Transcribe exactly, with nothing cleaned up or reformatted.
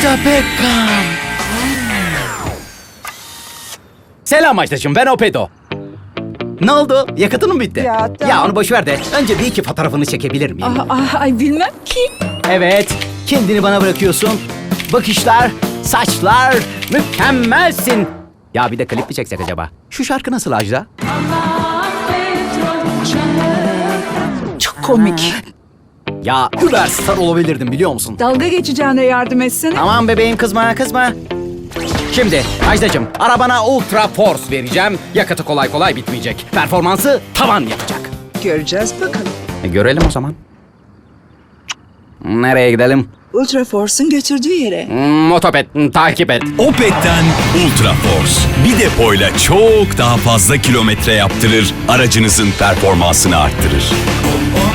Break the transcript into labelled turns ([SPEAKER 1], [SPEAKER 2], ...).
[SPEAKER 1] Ajda Pekkan. Selam Ajdacığım, ben Opedo. Ne oldu? Yakıtın mı bitti?
[SPEAKER 2] Ya, tamam.
[SPEAKER 1] Ya onu boş ver de önce bir iki fotoğrafını çekebilir miyim?
[SPEAKER 2] Ah, ah, ay bilmem ki.
[SPEAKER 1] Evet, kendini bana bırakıyorsun. Bakışlar, saçlar, mükemmelsin. Ya bir de klip mi çeksek acaba? Şu şarkı nasıl Ajda?
[SPEAKER 2] Çok komik.
[SPEAKER 1] Ya süperstar olabilirdim biliyor musun?
[SPEAKER 2] Dalga geçeceğine yardım etsene.
[SPEAKER 1] Tamam bebeğim, kızma kızma. Şimdi Ajdacığım, arabana Ultra Force vereceğim. Yakıtı kolay kolay bitmeyecek. Performansı tavan yapacak.
[SPEAKER 2] Göreceğiz bakalım.
[SPEAKER 1] E, görelim o zaman. Nereye gidelim?
[SPEAKER 2] Ultra Force'un götürdüğü yere.
[SPEAKER 1] Hmm, Motoped, hmm, takip et.
[SPEAKER 3] Opet'ten Ultra Force. Bir depoyla çok daha fazla kilometre yaptırır, aracınızın performansını arttırır.